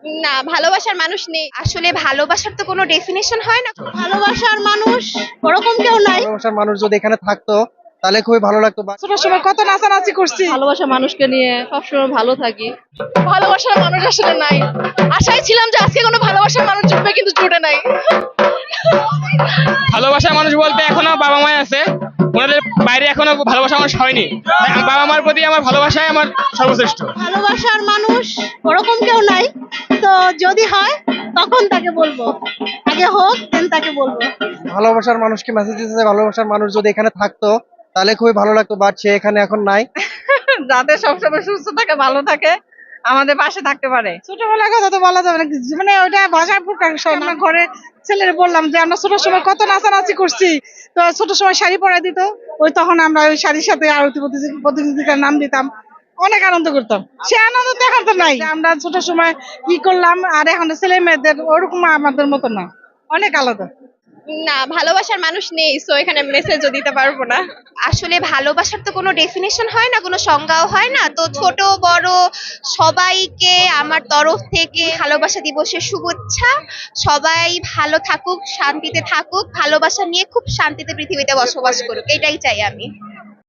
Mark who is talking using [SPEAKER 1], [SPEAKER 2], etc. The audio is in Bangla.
[SPEAKER 1] না, ভালোবাসার মানুষ নেই। আসলে ভালোবাসার তো কোনো ডেফিনিশন হয় না। ভালোবাসার মানুষ ওরকম কেউ নাই।
[SPEAKER 2] ভালোবাসার মানুষ যদি এখানে থাকতো তাহলে খুবই ভালো লাগতো।
[SPEAKER 3] ছোট সময় কত নাচানাচি করছি।
[SPEAKER 4] ভালোবাসা মানুষকে নিয়ে সবসময় ভালো থাকি। ভালোবাসার মানুষ আসলে নাই। আশায় ছিলাম যে আজকে কোনো ভালোবাসার মানুষ জুটবে, কিন্তু জুটে নাই।
[SPEAKER 5] ভালোবাসার মানুষ বলতে এখনো বাবা মাই আছে, ওনাদের বাইরে এখনো ভালোবাসা মানুষ হয়নি। তাই বাবা মার প্রতি আমার ভালোবাসাই আমার সর্বশ্রেষ্ঠ।
[SPEAKER 1] ভালোবাসার মানুষ ওরকম কেউ নাই। তো যদি হয় তখন তাকে বলবো, আগে হোক দেন তাকে বলবো।
[SPEAKER 2] ভালোবাসার মানুষকে মেসেজ দিতেছে, ভালোবাসার মানুষ যদি এখানে থাকতো তাহলে খুবই ভালো লাগতো, বাট সে এখানে এখন নাই।
[SPEAKER 4] যাতে সবসময় সুস্থ থাকে, ভালো থাকে, আমাদের পাশে থাকতে পারে।
[SPEAKER 3] ছোটবেলার কথা তো বলা যাবে না, মানে ওইটা ভাষায় প্রকাশ হয় না। ঘরে ছেলের বললাম যে আমরা ছোট সময় কত নাচানাচি করছি, তো ছোট সময় শাড়ি পরাই দিত, ওই তখন আমরা ওই শাড়ির সাথে আরতি প্রতিযোগিতার নাম দিতাম, অনেক আনন্দ করতাম। সে আনন্দ তো এখন তো নাই। আমরা ছোট সময় কি করলাম আর এখন ছেলে মেয়েদের ওরকম আমাদের মতো না, অনেক আলাদা।
[SPEAKER 1] না, ভালোবাসার মানুষ নেই, সো এখানে মেসেজও দিতে পারবো না। আসলে ভালোবাসার তো কোনো ডেফিনিশন হয় না, কোনো সংজ্ঞাও হয় না। তো ছোট বড় সবাইকে আমার তরফ থেকে ভালোবাসা দিবসের শুভেচ্ছা। সবাই ভালো থাকুক, শান্তিতে থাকুক, ভালোবাসা নিয়ে খুব শান্তিতে পৃথিবীতে বসবাস করুক, এটাই চাই আমি।